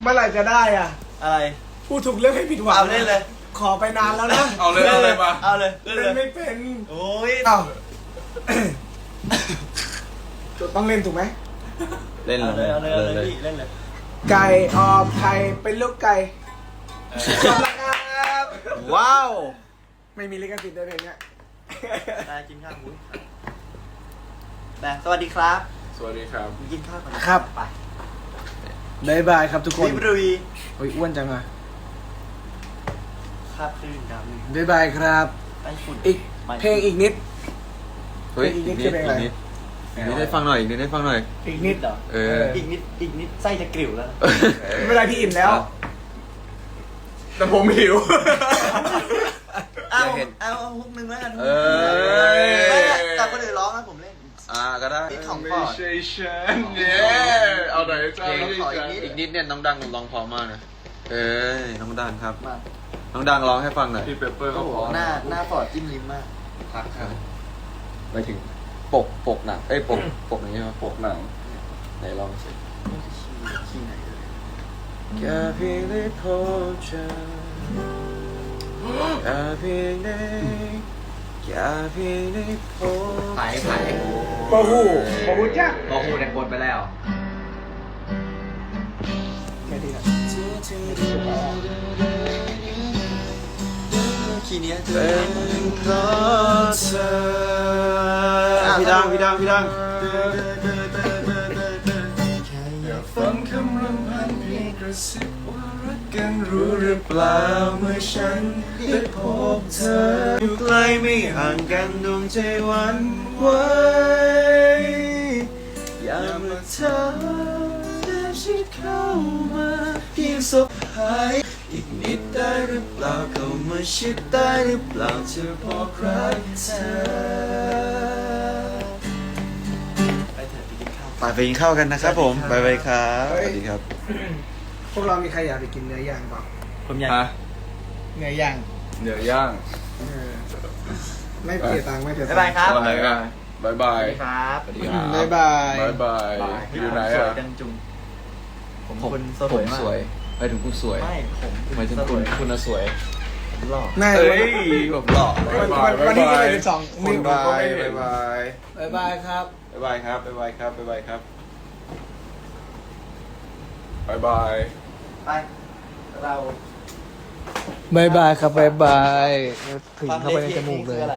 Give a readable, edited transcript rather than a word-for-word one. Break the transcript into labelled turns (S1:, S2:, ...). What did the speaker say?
S1: เมื่อไหร่จะได้อ่ะ
S2: อะไร
S1: พูดถูกเรื่องให้ผิดหวัง
S2: เอาเล่นเลย
S1: ขอไปนานแล้วนะ
S3: เอาเลยเอาเลยมา
S2: เอาเลย
S1: เล่นไม่เป็น
S2: โอ้ย
S1: เอ้า ต้องเล่นถูกไหม
S4: เล่น
S2: เอาเลยเอาเลยเอาเลยพี่เล่นเลย
S1: ไก่ออกไข่เป็นลูกไก่จบแล้วครับ
S4: ว้าว
S1: ไม่มีลิขสิทธิ์ในเพลงเนี้ย
S2: ได้กินข้าวมุ้ยแบบสวัสดีครับ
S3: สวัสดีครับ
S2: กินข้าวก่อนไป
S1: บ๊ายบายครับทุกคน
S2: รีบรุย
S1: โอ้ยอ้วนจังอ่ะ
S2: คาบคลื่นดาวนึง
S1: บ๊ายบายครับ
S2: ไต้ฝุ่น
S1: อีกเพลงอีกนิด
S4: เฮ้ย
S1: อีกนิ
S4: อี
S1: ด
S4: ก
S1: คื
S4: นิ
S1: อ
S4: ด
S1: เพลงอะไร
S4: อีกนิดอีกนิดได้ฟังหน่อยอีกนิดได้ฟังหน่อย
S1: อีกนิด
S2: เหรอ
S4: เออ
S2: อีกนิดไส้จะกริ่วแล้วนะ
S1: ไม่เป็นไรพี่อิ่มแล้ว
S3: แต่ผมหิว
S2: เอาฮุกนึงแล้วกัน
S4: เอ้ย
S2: แต่คนอื่นร้องนะผมเล่น
S4: ก็ได้
S2: นิดของ
S3: ไม่
S2: ก่อน
S3: ใช่ฉันเนี่ยเอาไหนจ้า
S4: เพลง
S3: ไม่ใช่ฉัน
S4: อีกนิดเนี่ยน้องดังร้องเพอมากนะเอ้ยน้องดังครับ
S2: มา
S4: น้องดังร้องให้ฟังหน่อย
S3: พี่เปปเปอร์เขาบอก
S2: หน้าปอดจิ้มลิ้มมากพักครับ
S4: ไปถึงปกหนังปกนี้ใช่ไหม
S3: ปกหนัง
S4: ไหนลองสิ
S2: ขี้ไหนเลย
S4: แค่เพียงได้พบเจอแค่เพียงได้แค่เพียงได้พบ
S2: ถ่าย
S1: โอ้โหโอ้โหจ้า
S4: พอพูดในโพสไปแล้ว
S1: แค่นี้แหละ
S2: ขี้เนี้ย
S4: เป็นเพราะเธอพี่ดัง
S3: อยากฟังคำรำพันเพียงกระซิบว่ารักกันรู้หรือเปล่าเมื่อฉันได้พบเธอ
S4: อยู่ใกล้ไม่ห่างกันดวงใจหวันไหวอย่ามาเธอได้ชิดเข้ามาเพียงสบหายอีกนิดได้หรือเปล่าเข้ามาชิดได้หรือเปล่าเธอบอกรักเธอ
S2: ไปเถอะไปกินข้าว
S4: ไปกินข้าวกันนะครับผมบ๊ายบายครับสวัสดีครับ
S1: พวกเรามีใครอยากไปกินเนื้อย่างเปล่า
S2: ผมอยาก
S3: ฮะ
S1: เนื้อย่าง
S3: เดี๋ยวย่าง
S1: เออไม่เสียตังค์ไม่เสียตั
S2: บ๊าง ยบาย
S1: ค์
S2: ครับ
S3: อะไรกันบายบา
S2: สวั
S3: ย
S2: สดีครับ
S4: สวัสดีครับ
S1: บ๊ายบาย
S3: บายบายอยู่ไหน
S2: สว
S3: อ่ะ
S2: ยจังจุงผม
S4: ผม
S2: คนส
S4: ผ
S2: วย
S4: ม
S2: มาก
S4: สวยไปถึงคุณสวย
S2: ไม่ผม
S4: หมายถึงคุณน่ะสวย
S2: ผมหล่อ
S1: น่า
S4: เอ้ยผมหล่อ
S1: วันที่22
S3: คน
S1: นี่
S3: ดูก็ไม่เห็น
S4: บาย
S1: บ๊ายบายครับ
S4: บ๊ายบายครับบ๊ายบายครับบ๊ายบายครับ
S3: บายบาย
S2: ไปเรา
S1: บ๊ายบายครับบ๊ายบายถึงเข้าไปในจมูกเลย
S2: ฟังเพลงคืออะไร